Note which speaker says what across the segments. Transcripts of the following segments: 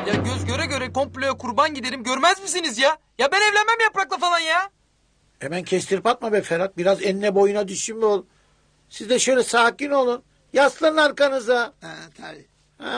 Speaker 1: Ya göz göre göre komploya kurban giderim görmez misiniz ya? Ya ben evlenmem Yaprak'la falan ya.
Speaker 2: Hemen kestirip atma be Ferhat. Biraz enine boyuna düşün be oğlum. Siz de şöyle sakin olun. Yaslanın arkanıza.
Speaker 3: Ha, tabii.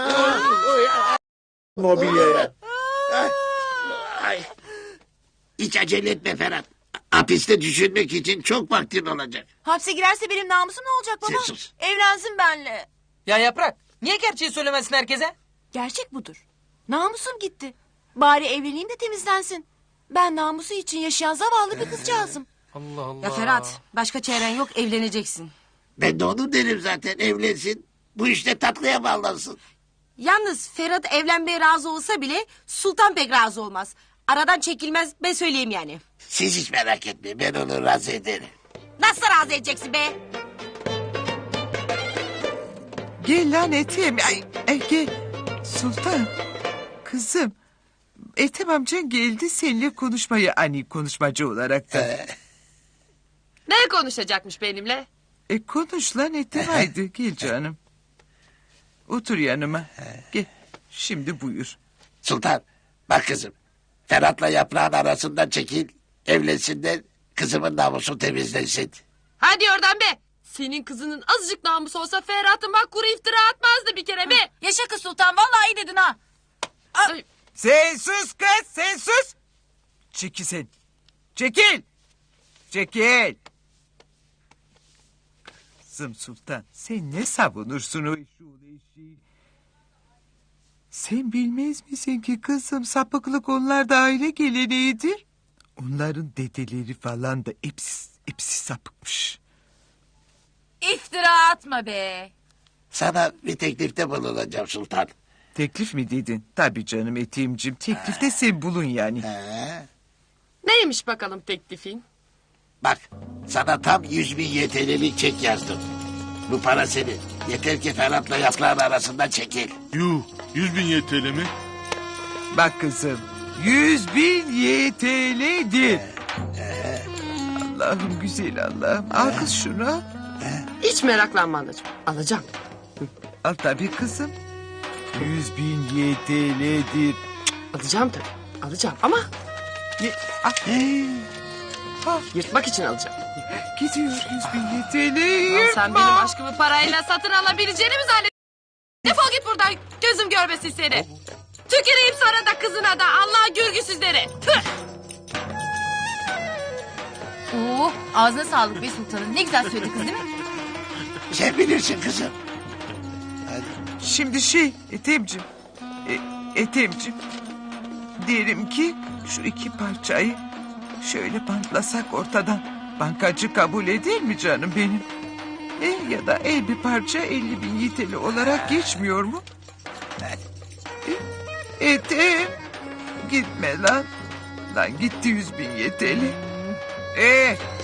Speaker 2: Mobilyaya.
Speaker 3: Ay. Hiç acele etme Ferhat. Hapiste düşünmek için çok vaktin olacak.
Speaker 4: Hapse girerse benim namusum ne olacak baba?
Speaker 3: Sen sus.
Speaker 4: Evlensin benle.
Speaker 1: Ya Yaprak niye gerçeği söylemezsin herkese?
Speaker 4: Gerçek budur. Namusum gitti. Bari evleneyim de temizlensin. Ben namusu için yaşayan zavallı bir kızcağızım.
Speaker 1: Allah Allah.
Speaker 5: Ya Ferhat, başka çaren yok, evleneceksin.
Speaker 3: Ben de onu derim zaten, evlensin. Bu işte tatlıya bağlansın.
Speaker 5: Yalnız Ferhat evlenmeye razı olsa bile Sultan pek razı olmaz. Aradan çekilmez, ben söyleyeyim yani.
Speaker 3: Siz hiç merak etmeyin, ben onu razı ederim.
Speaker 5: Nasıl razı edeceksin be?
Speaker 6: Gel lan Ethem. Gel. Sultan. Kızım. Ethem amcan geldi seninle konuşmaya. Hani konuşmacı olarak da.
Speaker 7: Ne konuşacakmış benimle?
Speaker 6: Konuş lan Ethem haydi. Gel canım. Otur yanıma. Gel. Şimdi buyur.
Speaker 3: Sultan, bak kızım. Ferhat'la yaprağın arasından çekil. Evlensinler, kızımın namusu temizlensin.
Speaker 7: Hadi oradan be. Senin kızının azıcık namusu olsa Ferhat'ın bak kuru iftira atmazdı bir kere be.
Speaker 4: Yaşa kız sultan vallahi iyi dedin ha.
Speaker 7: Ay,
Speaker 6: Sen sus kız sen sus. Çekil sen. Çekil. Çekil. Kızım Sultan sen ne savunursun o eşi? Sen bilmez misin ki kızım sapıklık onlarda aile geleneğidir. Onların dedeleri falan da hepsi sapıkmış.
Speaker 4: İftira atma be.
Speaker 3: Sana bir teklifte bulunacağım Sultan.
Speaker 6: Teklif mi dedin? Tabii canım Etiğimcim teklifte sen bulun yani.
Speaker 7: neymiş bakalım teklifin?
Speaker 3: Bak, sana tam 100.000 YTL'lik çek yazdım. Bu para senin. Yeter ki Ferhat'la yaprağın arasından çekil.
Speaker 8: Yuh 100.000 YTL mi?
Speaker 6: Bak kızım 100.000 YTL'dir. Allah'ım güzel Allah'ım. Al kız şunu.
Speaker 7: Hiç meraklanma anacığım. Alacağım.
Speaker 6: Al tabii kızım. 100.000 YTL'dir.
Speaker 7: Alacağım tabii. Alacağım ama yırtmak için alacağım.
Speaker 6: Gidiyor 100.000 YTL.
Speaker 7: Lan sen benim aşkımı parayla satın alabileceğini mi zannediyorsun? Defol git buradan. Gözüm görmesin seni. Tüküreyim sonra da kızına da. Allah görgüsüzleri. Tüh.
Speaker 4: Oo, ağzına sağlık be sultanım. Ne güzel söyledi kız değil mi?
Speaker 3: Sen bilirsin kızım.
Speaker 6: Şimdi Ethem'cim. Ethem'cim. Derim ki şu iki parçayı şöyle bantlasak ortadan. Bankacı kabul eder mi canım benim? Ya da bir parça 50.000 YTL olarak geçmiyor mu? Ethem. Gitme lan. Lan gitti 100.000 YTL.